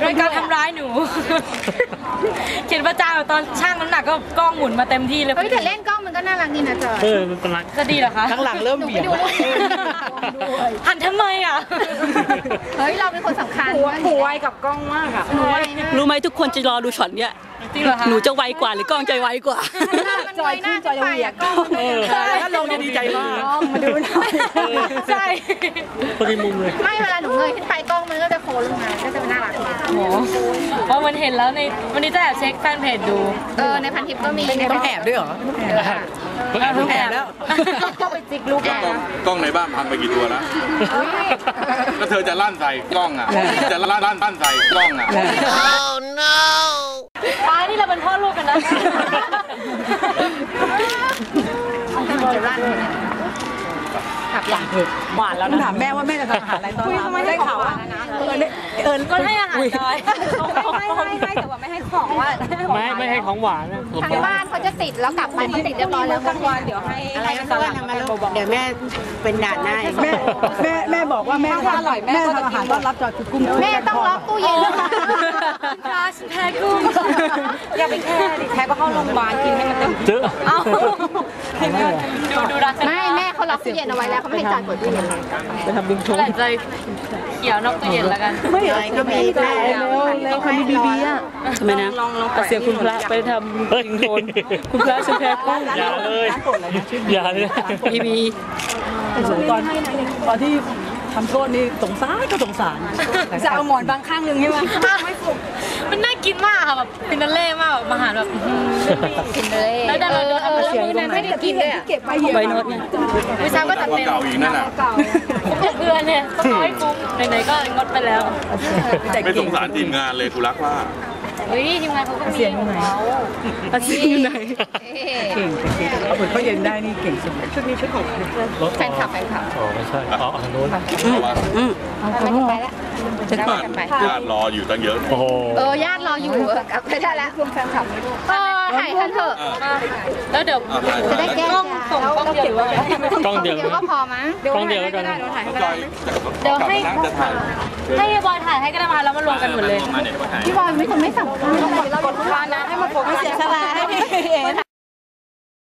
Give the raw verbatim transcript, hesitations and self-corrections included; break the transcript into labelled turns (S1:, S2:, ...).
S1: โดยการทำร้ายหนูเขียนประจานตอนช่างน้ำหนักก็กล้องหมุนมาเต็มที่เลย
S2: เฮ้ยแต่เล่นกล้องมันก็น่ารักดีนะจอย
S3: เออมันเป็นรัก
S1: จะดีเหรอคะ
S4: ข้างหลังเริ่มเบี่ยง
S1: หันทำไมอ่ะ
S2: เฮ้ยเราเป็นคนสำคัญ
S1: หนูไวกับกล้องมากอ่ะ
S5: รู้ไหมทุกคนจะรอดูช็อตเนี้ย
S1: จริงเหรอคะ
S5: หนูจะไวกว่าหรือกล้องจะไวกว่า
S2: จอยขึ้นจอยเหวี่ยงกล้อง
S4: ถ้าลงจะดีใจมาก
S2: มาดูหน่อย
S1: ใช่
S3: พอดีมุมเลย
S2: ไม่เวลาหนูเงยขึ้นไปกล้องมันก็จะโค้งลงมาก็จะน่ารัก
S1: โอ้เพราะมันเห็นแล้วในวันนี้จะแอบเช็คแฟนเพจดู
S2: เออในพันทิปก็มี
S4: ต้องแอบด้วยเหรอ
S1: ต้องแอบ
S4: แล้ว
S2: เข้าไปจิกลูก
S6: กล้องในบ้านพังไปกี่ตัวแล้วก็เธอจะลั่นใส่กล้องอ่ะจะลั่นลั่นลั่นใส่กล้องอ่ะ
S1: oh no ป้านี่เราเป็นพ่อลูกกันนะ
S2: จะลั่นขับหลัง
S4: หวานแล้วนะถามแม่ว่าแม่จะทำอาหารอะไรตอนนี้ได้ข่าวว่า
S1: เออก็ให้อาหารน้อยไม่ไม่ไม่แต่ว่าไม่ให้ของว่า
S3: ไม่ไม่ให้ของหวานนะ
S2: ทางบ้านเขาจะติดแล้วกลับมาที่ติดเรียบร้อยแล้วกลางวัน
S1: เดี๋ยวให้
S4: อะไรก็ตอนมาเดี๋ยวแม่เป็นด่านหน้าแม่แม่แม่บอกว่าแม่ทำอร่อยแม่ทำอาหารต้อนรับจอยคือกุ้ง
S2: แม่ต้องล็อกตู้เย็น
S1: ค่ะฉันแพ้กุ้งอย่าไปแค่ดิแพ้ก็เข้าโรงพยาบาลกินให้มันเต็ม
S3: เจอ
S1: เอ้าดูดูรัก
S2: ไม่แม่เขาล็อกตู้เย็นเอาไว้แล้วเขาไม่ให้จอยเปิดตู้เย็น
S4: จะทำบิงชง
S1: ใจเขียวนอกตู้เย็นแล้วกัน
S4: ไม่อะไรก็มีแม่แล้วเขามีบีบีอ่ะ
S5: ทำไมนะ
S4: เสียคุณพระไปทำบิงโทนคุณพระฉันแพ้กุ้ง
S3: อย่าเลยอย่าเลย
S5: บีบี
S4: ตอนตอนที่ทำโทษนี่สงสารก็สงสาร
S1: จะเอาหมอนบางข้างหนึ่งใช่ไหมไม่ถูกมันน่ากินมากค่ะแบบฟินาเล่มากแบบอาหารแบบ
S2: ฟินาเล่
S1: แล้วดันเราโดนเอา
S2: เสียงนั้นไม่ได้กินเลย
S4: เก็บ
S5: ใบโน้ตเนี่ย
S1: วิชาก็จัดเต็ม
S6: เก่าอีกนั่นแหละ
S1: เดือนเนี่ยต้องน้อยฟุ้งไหนๆก็งดไปแล้ว
S6: ไม่สงสารทีมงานเลยกูรักว่า
S1: เฮ้ยทีมงานเขาก็มีของเขา
S4: อาชีพไหนเก่งเก่งเอาผลเขาเย็นได้นี่เก่งสุดชุดนี้ชุดของ
S2: แฟนคลับแฟนคลับ
S3: อ๋อไม่ใช่อ๋ออันโน้น
S2: อืมไปแล้ว
S6: จะกลับญาติรออยู่ตั้งเยอะ
S3: โอ้โห
S2: เออญาติรออยู่กลับไปได้แล้วคุณแฟนคลับเออถ่ายกันเถอะ
S1: แล้วเดี๋ยว
S2: จะได้แก้
S1: กล้องส่งกล้องเดียว
S3: กล้องเดียว
S2: ก็พอมั้ง
S3: กล้องเดียวแล้วกัน
S1: เดี๋ยวให้ให้บอยถ่ายให้ก็ได้มาแล้วมารวมกันหมดเลย
S2: พี่บอยไม่คนไม่สำคัญ
S1: กดฟ้านะให้มันโฟกัส
S4: เสียสละให้พี่เอ๋